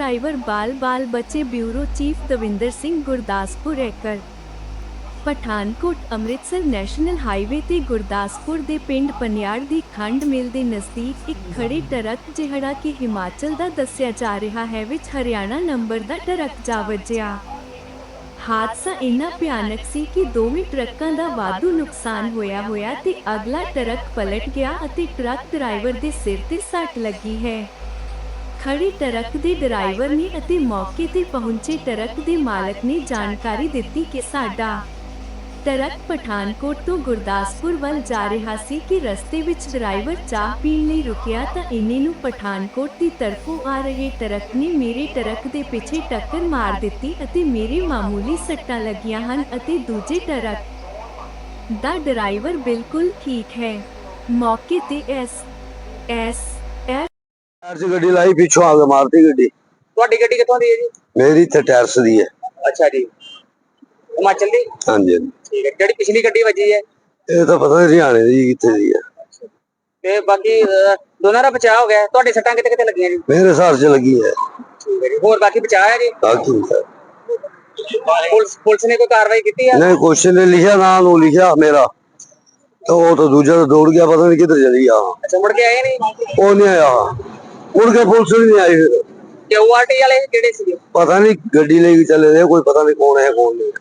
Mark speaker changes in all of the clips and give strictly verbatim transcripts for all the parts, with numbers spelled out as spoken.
Speaker 1: Driver बाल बाल बचे। ब्यूरो चीफ दविंदर सिंह गुरदासपुर एकड़ पठानकोट ਅੰਮ੍ਰਿਤਸਰ ਨੈਸ਼ਨਲ ਹਾਈਵੇ ਤੇ ਗੁਰਦਾਸਪੁਰ ਦੇ ਪਿੰਡ ਪਨਿਆੜ ਦੀ ਖੰਡ ਮਿਲ ਦੇ ਨਜ਼ਦੀਕ ਇੱਕ ਖੜੇ ਟਰੱਕ ਜਿਹੜਾ ਕਿ ਹਿਮਾਚਲ ਦਾ ਦੱਸਿਆ ਜਾ ਰਿਹਾ ਹੈ ਵਿੱਚ ਹਰਿਆਣਾ ਨੰਬਰ ਦਾ ਟਰੱਕ ਜਾ ਵੱਜਿਆ। ਹਾਦਸਾ ਇੰਨਾ ਭਿਆਨਕ ਸੀ ਕਿ ਦੋਵੇਂ ਟਰੱਕਾਂ ਦਾ ਵਾਧੂ ਨੁਕਸਾਨ ਹੋਇਆ ਹੋਇਆ ਤੇ ਅਗਲਾ ਟਰੱਕ ਪਲਟ ਗਿਆ ਅਤੇ ਟਰੱਕ ਡਰਾਈਵਰ ਦੇ ਸਿਰ ਤੇ ਸੱਟ ਲੱਗੀ ਹੈ। ਖੜੇ ਟਰੱਕ ਦੇ ਡਰਾਈਵਰ ਨੇ ਅਤੇ ਮੌਕੇ ਤੇ ਪਹੁੰਚੇ ਟਰੱਕ ਦੇ ਮਾਲਕ ਨੇ ਜਾਣਕਾਰੀ ਦਿੱਤੀ ਕਿ ਸਾਡਾ ਟਰੱਕ ਪਠਾਨਕੋਟ ਤੋਂ ਗੁਰਦਾਸਪੁਰ ਵੱਲ ਜਾ ਰਿਹਾ ਸੀ ਕਿ ਰਸਤੇ ਵਿੱਚ ਡਰਾਈਵਰ ਚਾਹ ਪੀਣ ਲਈ ਰੁਕਿਆ ਤਾਂ ਇੰਨੇ ਨੂੰ ਪਠਾਨਕੋਟ ਦੀ ਤਰਫੋਂ ਆ ਰਹੇ ਟਰੱਕ ਨੇ ਮੇਰੇ ਟਰੱਕ ਦੇ ਪਿੱਛੇ ਟੱਕਰ ਮਾਰ ਦਿੱਤੀ ਅਤੇ ਮੇਰੇ ਮਾਮੂਲੀ ਸੱਟਾਂ ਲੱਗੀਆਂ ਹਨ ਅਤੇ ਦੂਜੇ ਟਰੱਕ ਦਾ ਡਰਾਈਵਰ ਬਿਲਕੁਲ ਠੀਕ ਹੈ। ਮੌਕੇ ਤੇ ਐਸ ਐਸ
Speaker 2: ਟਾਇਰ 'ਚ ਗੱਡੀ ਲਾਈ, ਪਿੱਛੋਂ ਆ ਕੇ ਮਾਰਤੀ ਗੱਡੀ।
Speaker 3: ਤੁਹਾਡੀ ਗੱਡੀ ਕਿੱਥੋਂ ਦੀ ਹੈ ਜੀ?
Speaker 2: ਮੇਰੀ ਇੱਥੇ ਟਾਇਰਸ ਦੀ ਹੈ।
Speaker 3: ਅੱਛਾ ਜੀ, ਹਿਮਾਚਲ ਦੀ?
Speaker 2: ਹਾਂਜੀ ਹਾਂਜੀ।
Speaker 3: ਠੀਕ ਹੈ। ਜਿਹੜੀ ਪਿਛਲੀ ਗੱਡੀ ਵੱਜੀ ਹੈ
Speaker 2: ਇਹ ਤਾਂ ਪਤਾ ਨਹੀਂ ਹਰਿਆਣੇ ਦੀ ਕਿੱਥੇ ਦੀ ਹੈ।
Speaker 3: ਤੇ ਬਾਕੀ ਅਹ, ਦੋਨਾਂ ਦਾ ਬਚਾਅ ਹੋ ਗਿਆ। ਤੁਹਾਡੇ ਸੱਟਾਂ ਕਿੱਥੇ ਕਿੱਥੇ ਲੱਗੀਆਂ ਜੀ?
Speaker 2: ਮੇਰੇ ਹਿਸਾਬ 'ਚ ਲੱਗੀ ਹੈ।
Speaker 3: ਠੀਕ ਹੈ ਜੀ। ਹੋਰ ਬਾਕੀ ਬਚਾਅ ਹੈ ਜੀ?
Speaker 2: ਬਾਕੀ ਹੈ।
Speaker 3: ਪੁਲਿਸ ਪੁਲਿਸ ਨੇ ਕੋਈ ਕਾਰਵਾਈ ਕੀਤੀ ਹੈ?
Speaker 2: ਨਹੀਂ, ਕੁਛ ਨੇ ਲਿਖਿਆ, ਨਾਂ ਨੂੰ ਲਿਖਿਆ ਮੇਰਾ, ਤਾਂ ਉਹ ਤਾਂ ਦੂਜਾ ਤਾਂ ਦੌੜ ਗਿਆ, ਪਤਾ ਨਹੀਂ ਕਿੱਧਰ ਚਲੀ ਗਿਆ।
Speaker 3: ਅੱਛਾ, ਮੁੜ ਕੇ ਆਏ ਨਹੀਂ?
Speaker 2: ਉਹ ਨਹੀਂ ਆਇਆ, ਮੁੜ ਕੇ ਪੁਲਿਸ ਵੀ ਨਹੀਂ ਆਈ। ਫਿਰ
Speaker 3: ਕਿਊਆਰਟੀ ਵਾਲੇ ਕਿਹੜੇ ਸੀਗੇ?
Speaker 2: ਪਤਾ ਨਹੀਂ, ਗੱਡੀ ਲੈ ਕੇ ਚਲੇ ਗਏ, ਕੋਈ ਪਤਾ ਨਹੀਂ ਕੌਣ ਹੈ ਕੌਣ ਨਹੀਂ।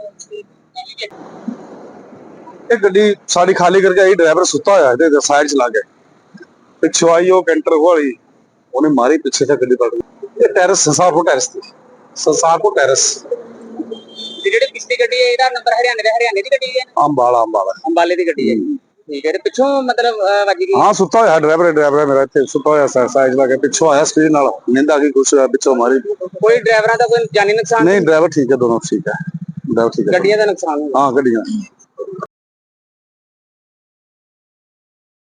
Speaker 4: ਇਹ ਗੱਡੀ ਸਾਡੀ ਖਾਲੀ ਕਰਕੇ ਆਈ, ਡਰਾਈਵਰ ਸੁੱਤਾ ਹੋਇਆ ਤੇ ਸਾਈਡ ਚਲਾ ਗਿਆ। ਪਿੱਛੋਂ ਆਈ ਉਹ ਕੈਂਟਰ ਵਾਲੀ, ਉਹਨੇ ਮਾਰੀ ਪਿੱਛੇ ਤੇ ਗੱਡੀ ਪਲਟ ਗਈ। ਇਹ ਟੈਰਸ ਸੰਸਾਰਪੁਰ ਟੈਰਸ ਤੇ ਸੰਸਾਰਪੁਰ ਟੈਰਸ।
Speaker 3: ਤੇ ਜਿਹੜੀ ਪਿਛਲੀ ਗੱਡੀ ਹੈ ਇਹਦਾ ਨੰਬਰ ਹਰਿਆਣੇ ਦਾ, ਹਰਿਆਣੇ ਦੀ ਗੱਡੀ ਹੈ?
Speaker 4: ਅੰਬਾਲਾ ਅੰਬਾਲਾ
Speaker 3: ਅੰਬਾਲੇ ਦੀ ਗੱਡੀ ਹੈ। ਠੀਕ ਹੈ। ਤੇ ਪਿੱਛੋਂ ਮਤਲਬ ਅਹ, ਵੱਜ ਗਈ?
Speaker 4: ਹਾਂ, ਸੁੱਤਾ ਹੋਇਆ ਡਰਾਈਵਰ ਡਰਾਈਵਰ ਮੇਰਾ ਇੱਥੇ ਸੁੱਤਾ ਹੋਇਆ ਸਾਈਡ ਲਾ ਕੇ, ਪਿੱਛੋਂ ਆਇਆ ਸਪੀਡ ਨਾਲ, ਨਿੰਦ ਆ ਗਈ, ਕੁਛ ਪਿੱਛੋਂ ਮਾਰੀ।
Speaker 3: ਕੋਈ ਡਰਾਈਵਰਾਂ ਦਾ ਕੋਈ ਜਾਨੀ ਨੁਕਸਾਨ?
Speaker 4: ਨਹੀਂ, ਡਰਾਈਵਰ ਠੀਕ ਹੈ, ਦੋਨੋਂ ਠੀਕ ਹੈ, ਡਰਾਈਵਰ ਠੀਕ ਹੈ।
Speaker 3: ਗੱਡੀਆਂ ਦਾ ਨੁਕਸਾਨ?
Speaker 4: ਹਾਂ, ਗੱਡੀਆਂ।